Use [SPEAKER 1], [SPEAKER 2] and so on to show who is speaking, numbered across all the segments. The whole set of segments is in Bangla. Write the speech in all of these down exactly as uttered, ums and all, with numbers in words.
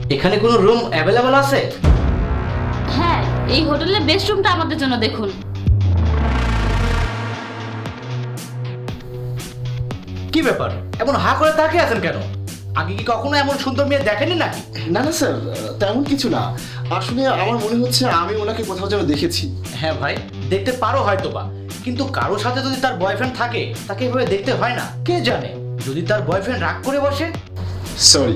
[SPEAKER 1] এখানে কোনো রুম অ্যাভেলেবল আছে?
[SPEAKER 2] হ্যাঁ, এই হোটেলের বেস্ট রুমটা আমাদের জন্য দেখুন।
[SPEAKER 1] কি ব্যাপার, এমন হা করে তাকিয়ে আছেন কেন? আগে কি কখনো এমন সুন্দর মেয়ে দেখেনি নাকি?
[SPEAKER 3] না না স্যার, তেমন কিছু না। আসলে আমার মনে হচ্ছে আমি ওনাকে কোথাও যেন দেখেছি।
[SPEAKER 1] হ্যাঁ ভাই, দেখতে পারো হয়তো বা, কিন্তু কারো সাথে যদি তার বয়ফ্রেন্ড থাকে তাকে এভাবে দেখতে হয় না। কে জানে, যদি তার বয়ফ্রেন্ড রাগ করে বসে।
[SPEAKER 3] সরি।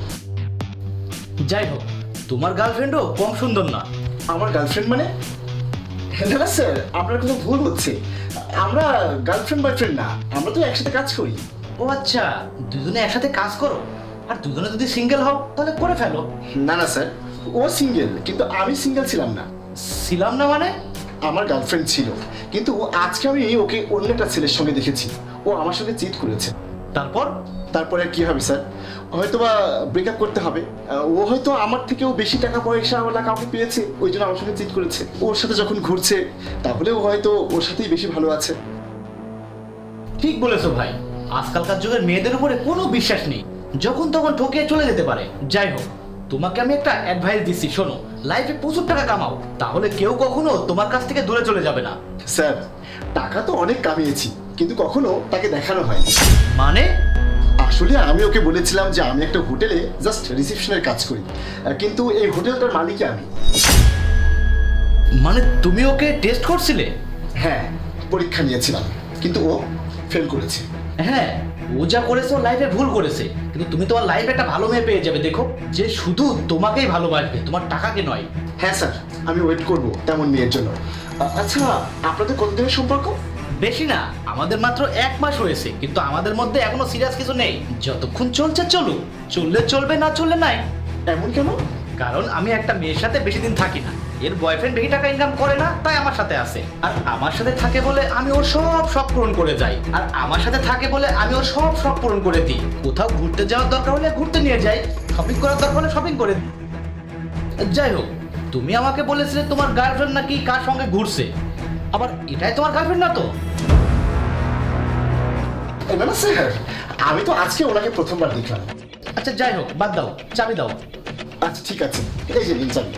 [SPEAKER 1] যাই হোক, তোমার গার্লফ্রেন্ডও কম সুন্দর না।
[SPEAKER 3] আমার গার্লফ্রেন্ড মানে? না না স্যার, আপনার কোনো ভুল হচ্ছে। আমরা গার্লফ্রেন্ড বয়ফ্রেন্ড না, আমরা তো একসাথে কাজ করি।
[SPEAKER 1] ও আচ্ছা, দুজনে একসাথে কাজ করো? আর দুজনে যদি সিঙ্গেল হও তাহলে করে ফেলো।
[SPEAKER 3] না না স্যার, ও সিঙ্গেল, কিন্তু আমি সিঙ্গেল ছিলাম না।
[SPEAKER 1] ছিলাম না মানে?
[SPEAKER 3] আমার গার্লফ্রেন্ড ছিল, কিন্তু আজকে আমি ওকে অন্য একটা ছেলের সঙ্গে দেখেছি। ও আমার সঙ্গে চিট করেছে।
[SPEAKER 1] তারপর?
[SPEAKER 3] তারপরে আর কি হবে স্যার, হয়তো বা ব্রেকআপ করতে হবে। ও হয়তো আমার থেকেও বেশি টাকা পয়সা ওলা কাউকে পেয়েছে, ওই জন্য আমার সঙ্গে চিট করেছে। ওর সাথে যখন ঘুরছে তাহলে ও হয়তো ওর সাথেই বেশি ভালো আছে।
[SPEAKER 1] ঠিক বলেছো ভাই, আজকালকার যুগের মেয়েদের উপরে কোনো বিশ্বাস নেই, যখন তখন ঠকিয়ে চলে যেতে পারে। যাই হোক, তোমাকে আমি একটা অ্যাডভাইস দিচ্ছি, শোনো। লাইফে প্রচুর টাকা কামাও, তাহলে কেউ কখনো তোমার কাছ থেকে দূরে চলে যাবে না।
[SPEAKER 3] স্যার, টাকা তো অনেক কামিয়েছি, কিন্তু কখনো তাকে দেখানো হয়নি।
[SPEAKER 1] মানে?
[SPEAKER 3] আসলে আমি ওকে বলেছিলাম যে আমি একটা হোটেলে জাস্ট রিসেপশনের কাজ করি, কিন্তু এই হোটেলটার মালিকই আমি।
[SPEAKER 1] মানে তুমি ওকে টেস্ট করছিলে?
[SPEAKER 3] হ্যাঁ, পরীক্ষা নিয়েছিলাম, কিন্তু ও ফেল করেছে।
[SPEAKER 1] হ্যাঁ, ও যা করেছে ও লাইফে ভুল করেছে, কিন্তু তুমি তোমার লাইফে একটা ভালো মেয়ে পেয়ে যাবে, দেখো, যে শুধু তোমাকেই ভালোবাসবে, তোমার টাকাকে নয়।
[SPEAKER 3] হ্যাঁ স্যার, আমি ওয়েট করব তেমন মেয়ের জন্য। আ- আচ্ছা, আপনাদের কতদিনের সম্পর্ক?
[SPEAKER 1] বেশি না, আমাদের মাত্র এক মাস হয়েছে, কিন্তু আমাদের মধ্যে এখনো সিরিয়াস কিছু নেই। যতক্ষণ চলছে চলুক, চললে চলবে, না চললে নাই।
[SPEAKER 3] এমন কেন?
[SPEAKER 1] কারণ আমি একটা মেয়ের সাথে বেশি দিন থাকি না, এর বয়ফ্রেন্ড বেশি টাকা ইনকাম করে না, তাই আমার সাথে আছে। আর আমার সাথে থাকে বলে আমি ওর সব শখ পূরণ করে যাই, আর আমার সাথে থাকে বলে আমি ওর সব শখ পূরণ করে দিই। কোথাও ঘুরতে যাওয়ার দরকার হলে ঘুরতে নিয়ে যাই, শপিং করার দরকার হলে শপিং করে দিই। যাই হোক, তুমি আমাকে বলেছিলে তোমার গার্লফ্রেন্ড নাকি কার সঙ্গে ঘুরছে, আবার এটাই তোমার গার্লফ্রেন্ড না তো?
[SPEAKER 3] না না স্যার, আমি তো আজকে ওনাকে প্রথমবার দেখলাম।
[SPEAKER 1] আচ্ছা যাই হোক, বাদ দাও, চাবি দাও।
[SPEAKER 3] আচ্ছা ঠিক আছে, এই যে নিন চাবি।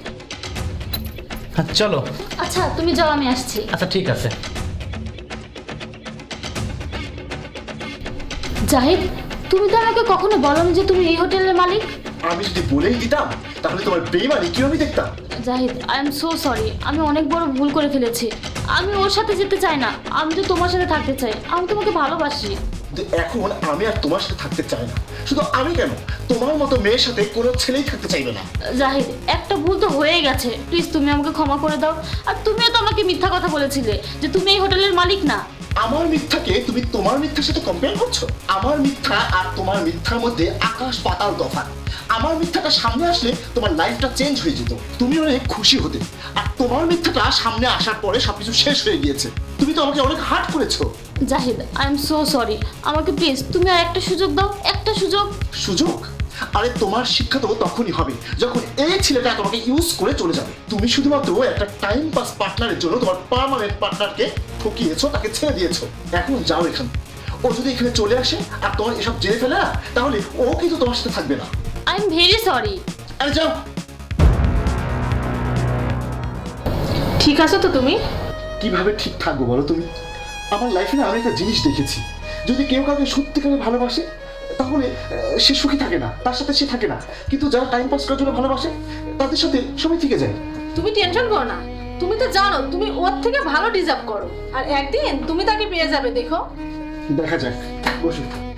[SPEAKER 1] হ্যাঁ চলো।
[SPEAKER 2] আচ্ছা তুমি যাও, আমি আসছি।
[SPEAKER 1] আচ্ছা ঠিক আছে।
[SPEAKER 2] জাহিদ, তুমি তো আমাকে কখনো বলোনি যে তুমি এই হোটেলের মালিক।
[SPEAKER 3] আমি যদি বলেই দিতাম তাহলে তোমার বেইমানি কি আমি দেখতাম।
[SPEAKER 2] Zahid, I am so sorry, আমি অনেক বড় ভুল করে ফেলেছি। আমি ওর সাথে যেতে চাই না, আমি তো তোমার সাথে থাকতে চাই, আমি তোমাকে ভালোবাসি।
[SPEAKER 3] কিন্তু এখন আমি আর তোমার সাথে থাকতে চাই না। শুধু আমি কেন, তোমার মতো মেয়ের সাথে কোনো ছেলেই থাকতে চাইবে না।
[SPEAKER 2] জাহিদ, একটা ভুল তো হয়ে গেছে, প্লিজ তুমি আমাকে ক্ষমা করে দাও। আর তুমিও তো আমাকে মিথ্যা কথা বলেছিলে যে তুমি এই হোটেলের মালিক না।
[SPEAKER 3] আমার মিথ্যাকে তুমি তোমার মিথ্যার সাথে কম্পেয়ার করছো? আমার মিথ্যা আর তোমার মিথ্যার মধ্যে আকাশ পাতাল তফাৎ। আমার মিথ্যাটা সামনে আসলে তোমার লাইফটা চেঞ্জ হয়ে যেত, তুমি অনেক খুশি হতে। আর তোমার মিথ্যাটা সামনে আসার পরে সবকিছু শেষ হয়ে গিয়েছে, তুমি তো আমাকে অনেক হার্ট করেছো।
[SPEAKER 2] Zahid, I am so sorry, আমাকে প্লিজ তুমি আর একটা সুযোগ দাও, একটা সুযোগ।
[SPEAKER 3] সুযোগ? আরে তোমার শিক্ষা তো তখনই হবে যখন এই ছেলেটা তোমাকে ইউজ করে চলে যাবে। তুমি শুধুমাত্র একটা টাইম পাস পার্টনারের জন্য তোমার পার্মানেন্ট পার্টনারকে ঠকিয়েছো, তাকে ছেড়ে দিয়েছো। এখন যাও এখান। ও যদি এখানে চলে আসে আর তোমার এসব জেনে ফেলে না, তাহলে ও কিন্তু তোমার সাথে থাকবে না।
[SPEAKER 2] I am very sorry.
[SPEAKER 3] আরে যাও।
[SPEAKER 4] ঠিক আছো তো তুমি?
[SPEAKER 3] কিভাবে ঠিক থাকবো বলো তুমি? আমার লাইফে না আমি একটা জিনিস দেখেছি, যদি কেউ কাউকে সত্যিকারে ভালোবাসে তাহলে আহ, সে সুখী থাকে না, তার সাথে সে থাকে না। কিন্তু যারা টাইম পাস করার জন্য ভালোবাসে তাদের সাথে সবাই থেকে যায়।
[SPEAKER 4] তুমি টেনশন করো না, তুমি তো জানো তুমি ওর থেকে ভালো ডিজার্ভ করো, আর একদিন তুমি তাকে পেয়ে যাবে, দেখো।
[SPEAKER 3] দেখা যাক, বসো।